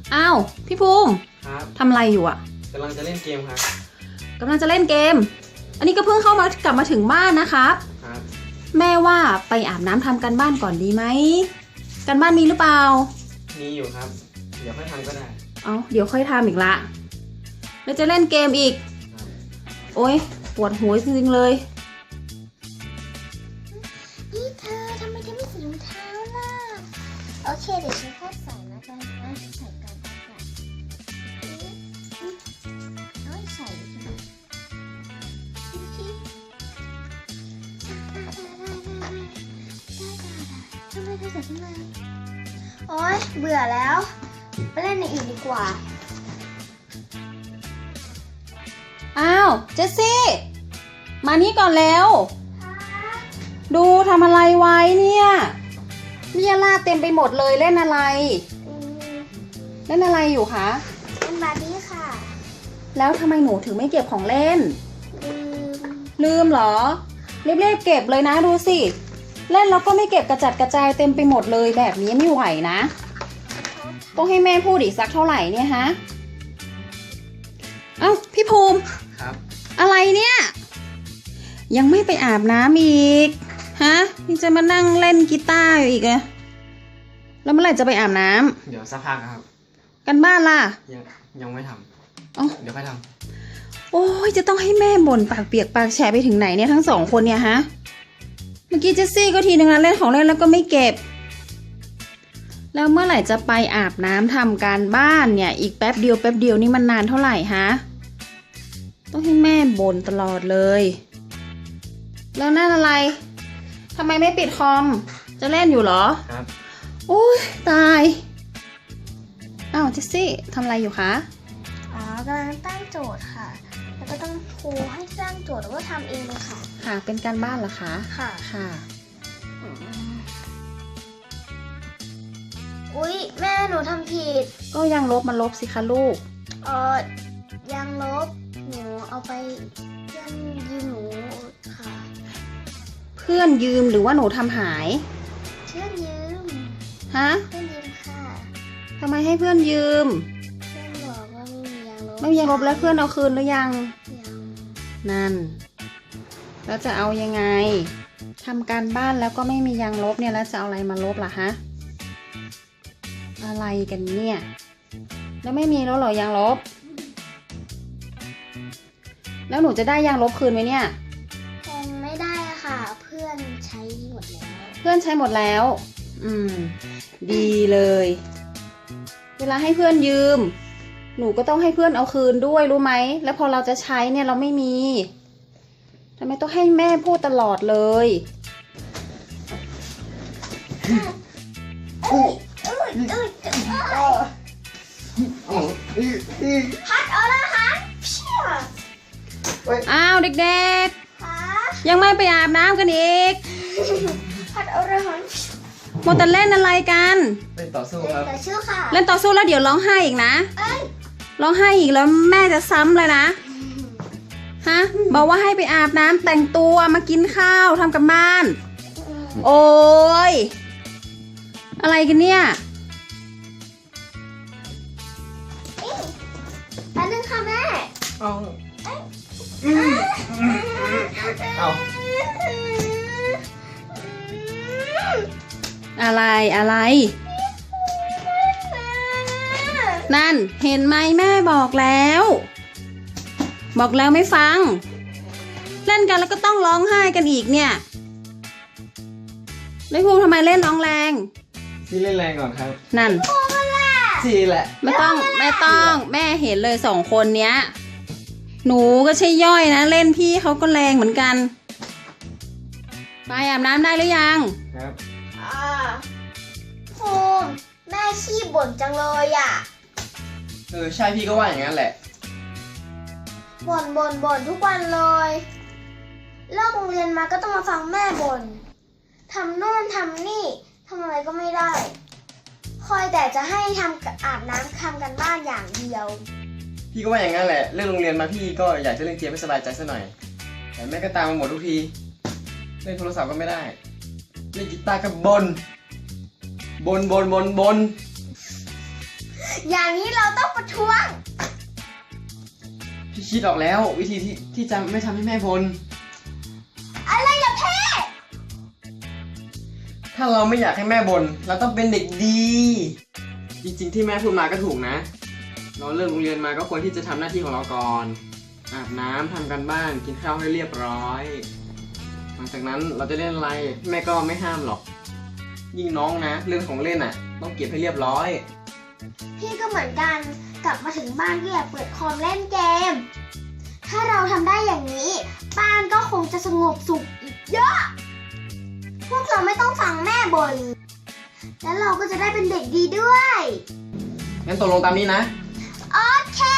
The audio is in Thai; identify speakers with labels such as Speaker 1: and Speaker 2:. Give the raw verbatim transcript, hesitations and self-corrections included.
Speaker 1: อ้าวพี่ภูมิ
Speaker 2: ครับ
Speaker 1: ทำอะไรอยู่อ่ะ
Speaker 2: กำลังจะเล่นเกมครับ
Speaker 1: กำลังจะเล่นเกม อันนี้ก็เพิ่งเข้ามากลับมาถึงบ้านนะครับ
Speaker 2: ครับ
Speaker 1: แม่ว่าไปอาบน้ำทำกันบ้านก่อนดีไหมกันบ้านมีหรือเปล่า
Speaker 2: มีอยู่ครับเดี๋ยวค่อยทำก็ได้
Speaker 1: เอาเดี๋ยวค่อยทำอีกละแล้วจะเล่นเกมอีกโอ๊ยปวดหัวจริงๆเลย
Speaker 3: นี่เธอทำไมเธอไม่ใส่รองเท้าล่ะโอเคเดี๋ยวฉันค่อยใส่นะกันนะใส่กันก่อนเอาใส่ใช่ไหมทำไมเธอใส่ทำไมโอ๊ยเบื่อแล้วไปเล่นในอื่นดีกว่า
Speaker 1: อ้าวเจสซี่มานี่ก่อนแล้วดูทำอะไรไว้เนี่ยมียาลาเต็มไปหมดเลยเล่นอะไรเล่นอะไรอยู่คะ
Speaker 3: เล่นบาร์บี้ค่ะ
Speaker 1: แล้วทำไมหนูถึงไม่เก็บของเล่น
Speaker 3: ลืม
Speaker 1: ลืมเหรอรีบๆเก็บเลยนะดูสิเล่นแล้วก็ไม่เก็บกระจัดกระจายเต็มไปหมดเลยแบบนี้ไม่ไหวนะต้องให้แม่พูดอีกสักเท่าไหร่เนี่ยฮะเอ้าพี่ภูมิ
Speaker 2: ครับ
Speaker 1: อะไรเนี่ยยังไม่ไปอาบน้ำอีกฮะนี่จะมานั่งเล่นกีตาร์อยู่อีกเหรอแล้วเมื่อไหร่จะไปอาบน้
Speaker 2: ำเดี๋ยวสักพักครับ
Speaker 1: กันบ้านล่ะ
Speaker 2: ยังยังไม่ทำ
Speaker 1: อ๋อ
Speaker 2: เดี๋ยวค่อยทำ
Speaker 1: โอ้ยจะต้องให้แม่บ่นปากเปียกปากแฉะไปถึงไหนเนี่ยทั้งสองคนเนี่ยฮะเมื่อกี้เจสซี่ก็ทีนึงนะเล่นของเล่นแล้วก็ไม่เก็บแล้วเมื่อไหร่จะไปอาบน้ำทำการบ้านเนี่ยอีกแป๊บเดียวแป๊บเดียวนี่มันนานเท่าไหร่ฮะต้องให้แม่บ่นตลอดเลยแล้วนั่นอะไรทำไมไม่ปิดคอมจะเล่นอยู่เหรอ
Speaker 2: ครับ
Speaker 1: โอ้ยตายอ้าวเจสซี่ทำอะไรอยู่คะ
Speaker 3: อ๋อกำลังตั้งโจทย์ค่ะแล้วก็ต้องครูให้สร้างโจทย์แล้วก็ทำเองเลยค่ะ
Speaker 1: ค่ะเป็นการบ้านเหรอคะ
Speaker 3: ค่ะ
Speaker 1: ค่ะ
Speaker 3: อุ๊ยแม่หนูทำผิด
Speaker 1: ก็ยังลบมันลบสิคะลูก
Speaker 3: เออยังลบหนูเอาไปเพื่อนยืมหนูค่ะ
Speaker 1: เพื่อนยืมหรือว่าหนูทำหาย
Speaker 3: เพื่อนยืม
Speaker 1: ฮะ
Speaker 3: เพื่อนยืมค่ะ
Speaker 1: ทำไมให้เพื่อนยืม
Speaker 3: เพื่อนบอกว่าไม่มียังลบ
Speaker 1: ไม่มียังลบแล้วเพื่อนเอาคืนหรือยัง
Speaker 3: ยัง
Speaker 1: นั่นแล้วจะเอายังไงทำการบ้านแล้วก็ไม่มียังลบเนี่ยแล้วจะเอาอะไรมาลบล่ะฮะอะไรกันเนี่ยแล้วไม่มีแล้วเหรอยางลบแล้วหนูจะได้ยางลบคืนไหมเนี่ย
Speaker 3: คงไม่ได้ค่ะเพื่อนใช้หมดแล้ว
Speaker 1: เพื่อนใช้หมดแล้วอืมดีเลยเวลาให้เพื่อนยืมหนูก็ต้องให้เพื่อนเอาคืนด้วยรู้ไหมแล้วพอเราจะใช้เนี่ยเราไม่มีทำไมต้องให้แม่พูดตลอดเลย
Speaker 3: พัดเอาละฮัน
Speaker 1: อ้าวเด็กๆยังไม่ไปอาบน้ำกันอีก
Speaker 3: พัดเอาละฮัน
Speaker 1: โมแต่เล่นอะไรกัน
Speaker 2: เล่นต่อสู้ครับ
Speaker 3: เล่นต่อสู้ค่ะ
Speaker 1: เล่นต่อสู้แล้วเดี๋ยวร้องไห้อีกนะร้องไห้อีกแล้วแม่จะซ้ำเลยนะฮะบอกว่าให้ไปอาบน้ำแต่งตัวมากินข้าวทำกับบ้านโอ้ยอะไรกันเนี่ย
Speaker 3: แป๊บนึงค่ะแม่
Speaker 2: เอาเอา
Speaker 1: อะไรอะไรนั่นเห็นไหมแม่บอกแล้วบอกแล้วไม่ฟังเล่นกันแล้วก็ต้องร้องไห้กันอีกเนี่ยแล้วภูมิทำไมเล่นร้องแรง
Speaker 2: พี่เล่นแรงก่อนครับ
Speaker 1: นั่น
Speaker 2: ทีแหละ
Speaker 1: ไม่ต้องไม่ต้องแม่เห็นเลยสองคนเนี้ยหนูก็ใช่ย่อยนะเล่นพี่เขาก็แรงเหมือนกันไปอาบน้ำได้หรือยัง
Speaker 2: ครับ
Speaker 3: อ่าภูมิแม่ขี้บ่นจังเลยอ่ะ
Speaker 2: เออใช่พี่ก็ว่าอย่างนั้นแหละ
Speaker 3: บ่นบ่นบ่นทุกวันเลยเลิกโรงเรียนมาก็ต้องมาฟังแม่บ่นทำโน่นทำนี่ทำอะไรก็ไม่ได้คอยแต่จะให้ทำอาบน้ำทำกันบ้านอย่างเดียว
Speaker 2: พี่ก็ว่าอย่างนั้นแหละเลิกโรงเรียนมาพี่ก็อยากจะเล่นเกมให้สบายใจซะหน่อยแต่แม่ก็ตามมาหมดทุกทีเล่นโทรศัพท์ก็ไม่ได้เล่นกีตาร์ก็บนบนบนบนบน
Speaker 3: อย่างนี้เราต้องประท้วง
Speaker 2: พี่คิดออกแล้ววิธีที่ที่จะไม่ทำให้แม่บ่น
Speaker 3: อะไรล่ะเพ่
Speaker 2: ถ้าเราไม่อยากให้แม่บ่นเราต้องเป็นเด็กดี จริงๆที่แม่พูดมาก็ถูกนะ เราเลิกโรงเรียนมาก็ควรที่จะทำหน้าที่ของเราก่อน อาบน้ำทำกันบ้านกินข้าวให้เรียบร้อย หลังจากนั้นเราจะเล่นอะไรแม่ก็ไม่ห้ามหรอก ยิ่งน้องนะเรื่องของเล่นอ่ะ ต้องเก็บให้เรียบร้อย
Speaker 3: พี่ก็เหมือนกัน กลับมาถึงบ้านก็อยากเปิดคอมเล่นเกม ถ้าเราทำได้อย่างนี้บ้านก็คงจะสงบสุขอีกเยอะ พวกเราไม่ต้องฟังแม่บ่น แล้วเราก็จะได้เป็นเด็กดีด้วย
Speaker 2: งั้นตกลงตามนี้นะ
Speaker 3: โอเค